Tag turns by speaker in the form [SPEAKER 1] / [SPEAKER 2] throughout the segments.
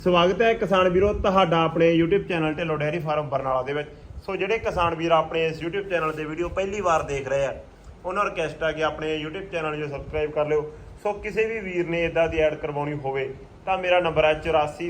[SPEAKER 1] ਸਵਾਗਤ ਹੈ ਕਿਸਾਨ ਵੀਰੋ ਤੁਹਾਡਾ ਆਪਣੇ YouTube channel Dhillon dairy farm Barnala ਦੇ ਵਿੱਚ। ਸੋ ਜਿਹੜੇ ਕਿਸਾਨ ਵੀਰ ਆਪਣੇ ਇਸ YouTube ਚੈਨਲ ਤੇ ਵੀਡੀਓ ਪਹਿਲੀ ਵਾਰ ਦੇਖ ਰਹੇ ਆ ਉਹਨਾਂ ਨੂੰ ਰਿਕਵੈਸਟ ਆ ਕਿ ਆਪਣੇ YouTube ਚੈਨਲ ਨੂੰ ਸਬਸਕ੍ਰਾਈਬ ਕਰ ਲਿਓ। ਸੋ ਕਿਸੇ ਵੀ ਵੀਰ ਨੇ ਇਦਾਂ ਦੀ ਐਡ ਕਰਵਾਉਣੀ ਹੋਵੇ ਤਾਂ ਮੇਰਾ ਨੰਬਰ ਹੈ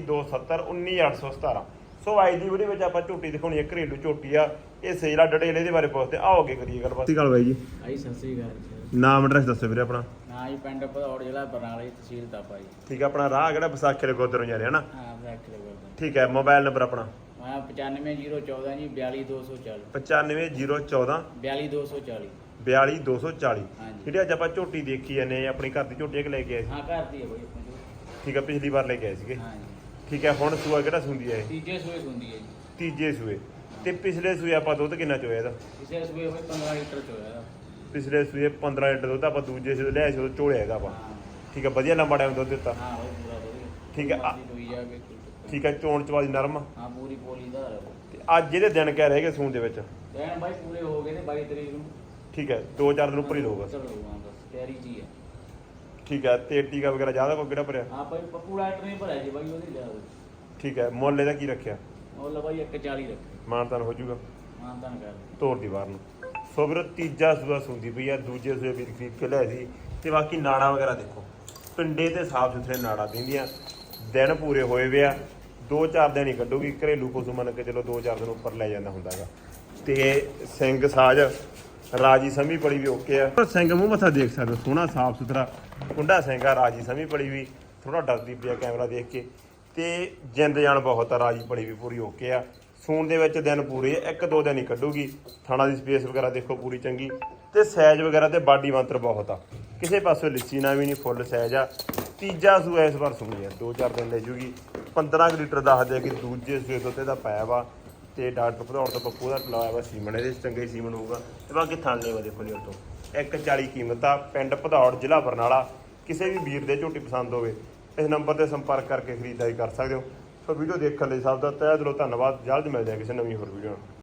[SPEAKER 1] 8427191817। ਸੋ ਅੱਜ ਦੀ ਵੀਡੀਓ ਵਿੱਚ ਆਪਾਂ ਝੋਟੀ ਦਿਖਾਉਣੀ ਹੈ, ਘਰੇਲੂ ਝੋਟੀ ਆ। ਇਹ ਸੇਲਾ ਡਟੇਲ ਇਹਦੇ ਬਾਰੇ ਪੁੱਛਦੇ ਆਓ ਅੱਗੇ ਕਰੀਏ ਗੱਲਬਾਤ। ਸਤਿ ਸ਼੍ਰੀ ਅਕਾਲ ਬਾਈ ਜੀ।
[SPEAKER 2] ਸਤਿ ਸ਼੍ਰੀ ਅਕਾਲ ਜੀ।
[SPEAKER 1] ਨਾਮ ਐਡਰੈਸ ਦੱਸੋ ਵੀਰੇ ਆਪਣਾ।
[SPEAKER 2] ਹਾਂ ਜੀ, ਪਿੰਡ ਭਦੌੜ, ਜ਼ਿਲ੍ਹਾ ਬਰਨਾਲਾ, ਤਹਿਸੀਲ ਤਾਪਾ ਜੀ।
[SPEAKER 1] ਠੀਕ ਹੈ, ਆਪਣਾ ਰਾਹ ਕਿਹੜਾ ਵਿਸਾਖੀ ਦੇ ਗੋਦਰ ਨੂੰ ਜਾ ਰਿਹਾ ਨਾ।
[SPEAKER 2] ਹਾਂ, ਵਿਸਾਖੀ ਦੇ ਗੋਦਰ।
[SPEAKER 1] ਠੀਕ ਹੈ, ਮੋਬਾਈਲ ਨੰਬਰ ਆਪਣਾ
[SPEAKER 2] 95014 ਜੀ 42240
[SPEAKER 1] 95014
[SPEAKER 2] 42240
[SPEAKER 1] 42240।
[SPEAKER 2] ਹਾਂਜੀ।
[SPEAKER 1] ਜਿਹੜੀ ਅੱਜ ਆਪਾਂ ਝੋਟੀ ਦੇਖੀ ਜਾਂਦੇ ਆਪਣੀ ਘਰ ਦੀ ਝੋਟੀ ਲੈ ਕੇ ਆਏ ਸੀ।
[SPEAKER 2] ਹਾਂ, ਘਰ ਦੀ ਹੈ ਬਈ ਆਪਣੀ ਝੋਟੀ।
[SPEAKER 1] ਠੀਕ ਹੈ, ਪਿਛਲੀ ਵਾਰ ਲੈ ਕੇ ਆਏ ਸੀਗੇ।
[SPEAKER 2] ਹਾਂ ਜੀ।
[SPEAKER 1] ਠੀਕ ਹੈ, ਹੁਣ ਸੂਆ ਕਿਹੜਾ ਸੁੰਦੀ ਹੈ ਇਹ?
[SPEAKER 2] ਤੀਜੇ ਸੂਏ ਹੁੰਦੀ ਹੈ ਜੀ।
[SPEAKER 1] ਤੀਜੇ ਸੂਏ। ਤੇ ਪਿਛਲੇ ਸੂਏ ਆਪਾਂ ਦੁੱਧ ਕਿੰਨਾ ਚੋਇਆ ਇਹਦਾ?
[SPEAKER 2] ਇਸੇ ਸੂਏ ਹੋਏ 15 ਲੀਟਰ ਚੋਇਆ ਇਹਦਾ।
[SPEAKER 1] ਪਿਛਲੇ ਸੂਏ 15 ਲੀਟਰ ਦੁੱਧ ਆਪਾਂ ਦੂਜੇ ਸੂਏ ਲਿਆਏ ਸੀ ਉਹ ਚੋਲਿਆ ਹੈਗਾ ਆਪਾਂ।
[SPEAKER 2] ਹਾਂ
[SPEAKER 1] ਠੀਕ ਹੈ, ਵਧੀਆ ਲੰਬਾ ਟਾਈਮ ਦੁੱਧ ਦਿੱਤਾ।
[SPEAKER 2] ਹਾਂ, ਉਹ ਪੂਰਾ ਵਧੀਆ।
[SPEAKER 1] ਠੀਕ ਹੈ,
[SPEAKER 2] ਦੋਈ ਜਾ ਕੇ
[SPEAKER 1] ਠੀਕ ਹੈ, ਚੋਣ ਚਵਾਦੀ ਨਰਮ।
[SPEAKER 2] ਹਾਂ, ਪੂਰੀ ਪੋਲੀ ਦਾ ਹੈ।
[SPEAKER 1] ਤੇ ਅੱਜ ਇਹਦੇ ਦਿਨ ਕਹਿ ਰਹੇ ਕਿ ਸੂਣ ਦੇ ਵਿੱਚ
[SPEAKER 2] ਦੇਣ ਬਾਈ ਪੂਰੇ ਹੋ ਗਏ ਨੇ 22 ਤਰੀਕ ਨੂੰ।
[SPEAKER 1] ਠੀਕ ਹੈ, 2-4 ਦਿਨ ਉੱਪਰ ਹੀ ਲਊਗਾ।
[SPEAKER 2] ਚਲੋ ਹਾਂ, ਬਸ ਤਿਆਰੀ ਜੀ ਹੈ।
[SPEAKER 1] ਠੀਕ ਹੈ, ਤੇ ਟੀਕਾ ਵਗੈਰਾ ਜ਼ਿਆਦਾ ਕੋਈ ਕਿਹੜਾ ਭਰਿਆ?
[SPEAKER 2] ਹਾਂ ਬਾਈ, ਪੱਪੂ ਡਾਕਟਰ ਨੇ ਭਰਿਆ ਜੀ ਬਾਈ, ਉਹਦੀ ਲਿਆ।
[SPEAKER 1] ਠੀਕ ਹੈ, ਮੁੱਲ ਇਹਦਾ ਕੀ ਰੱਖਿਆ?
[SPEAKER 2] ਉਹ ਬਾਈ 140 ਰੱਖੇ।
[SPEAKER 1] ਮਾਨਤਾਨ ਹੋ ਜਾਊਗਾ
[SPEAKER 2] ਮਾਨਤਾਨ ਕਰ
[SPEAKER 1] ਤੋਰ ਦੀ ਬਾਹਰ ਨੂੰ। ਸੋ ਵੀਰ ਤੀਜਾ ਸੂਆ ਸੁੰਦੀ ਪਈ ਆ, ਦੂਜੇ ਸੂਏ ਵੀਰ ਖਰੀਦ ਕੇ ਲਿਆਏ ਸੀ। ਤੇ ਬਾਕੀ ਨਾੜਾ ਵਗੈਰਾ ਦੇਖੋ, ਪਿੰਡੇ ਤੇ ਸਾਫ ਸੁਥਰੇ ਨਾੜਾ ਦਿੰਦੀਆਂ। ਦਿਨ ਪੂਰੇ ਹੋਏ ਵੇ ਆ, 2-4 ਦਿਨ ਹੀ ਕੱਢੂਗੀ। ਘਰੇਲੂ ਪਸ਼ੂ ਮੰਨ ਕੇ ਚਲੋ 2-4 ਦਿਨ ਉੱਪਰ ਲੈ ਜਾਂਦਾ ਹੁੰਦਾ ਹੈਗਾ। ਤੇ ਸਿੰਘ ਸਾਜ ਰਾਜੀ ਸਮੀ ਪੜੀ ਵੀ ਓਕੇ ਆ। ਪਰ ਸਿੰਘ ਮੂੰਹ ਮੱਥਾ ਦੇਖ ਸਕਦੇ ਹੋ, ਸੋਹਣਾ ਸਾਫ ਸੁਥਰਾ ਕੁੰਡਾ ਸਿੰਘ ਆ। ਰਾਜੀ ਸਮੀ ਪੜੀ ਵੀ ਥੋੜਾ ਡਰਦੀ ਪਿਆ ਕੈਮਰਾ ਦੇਖ ਕੇ। ਤੇ ਜਿੰਦ ਜਾਨ ਬਹੁਤ ਆ, ਰਾਜੀ ਪੜੀ ਵੀ ਪੂਰੀ ਓਕੇ ਆ। ਸੂਣ ਦੇ ਵਿੱਚ ਦਿਨ ਪੂਰੇ 1-2 ਦਿਨ ਹੀ ਕੱਢੂਗੀ। ਥਾਣਾ ਦੀ ਸਪੇਸ ਵਗੈਰਾ ਦੇਖੋ ਪੂਰੀ ਚੰਗੀ, ਤੇ ਸਾਈਜ਼ ਵਗੈਰਾ ਤੇ ਬਾਡੀ ਮੰਤਰ ਬਹੁਤ ਆ। ਕਿਸੇ ਪਾਸੇ ਲਿੱਸੀ ਨਾ ਵੀ ਨਹੀਂ, ਫੁੱਲ ਸਾਈਜ਼ ਆ। ਤੀਜਾ ਸੂਆ ਇਸ ਵਾਰ ਸੁਣੀ ਆ, 2-4 ਦਿਨ ਲੈ ਜੂਗੀ। 15 ਲੀਟਰ ਦੱਸਦੇ ਆ ਕਿ ਦੂਜੇ ਸੂਏ ਤੋਂ ਇਹਦਾ ਪਾਇਆ ਵਾ। ਤੇ ਡਾਕਟਰ ਭਦੌੜ ਤੋਂ ਪੱਪੂ ਦਾ ਲਾਇਆ ਵਾ ਸੀਮਨ, ਇਹਦੇ ਚੰਗੇ ਸੀਮਨ ਹੋਊਗਾ। ਤੇ ਬਾਕੀ ਥਾਣੇ ਵਾ ਦੇਖੋ ਜੀ ਤੋਂ 140 ਕੀਮਤ ਆ। ਪਿੰਡ ਭਦੌੜ, ਜ਼ਿਲ੍ਹਾ ਬਰਨਾਲਾ। ਕਿਸੇ ਵੀ ਵੀਰ ਦੇ ਝੋਟੀ ਪਸੰਦ ਹੋਵੇ ਇਸ ਨੰਬਰ ਤੇ ਸੰਪਰਕ ਕਰਕੇ ਖਰੀਦਦਾਰੀ ਕਰ ਸਕਦੇ ਹੋ। ਸੋ ਵੀਡੀਓ ਦੇਖਣ ਲਈ ਸਭ ਦਾ ਤਹਿ ਦਿਲੋਂ ਧੰਨਵਾਦ। ਜਲਦ ਮਿਲਦੇ ਹਾਂ ਕਿਸੇ ਨਵੀਂ ਹੋਰ ਵੀਡੀਓ ਨਾਲ।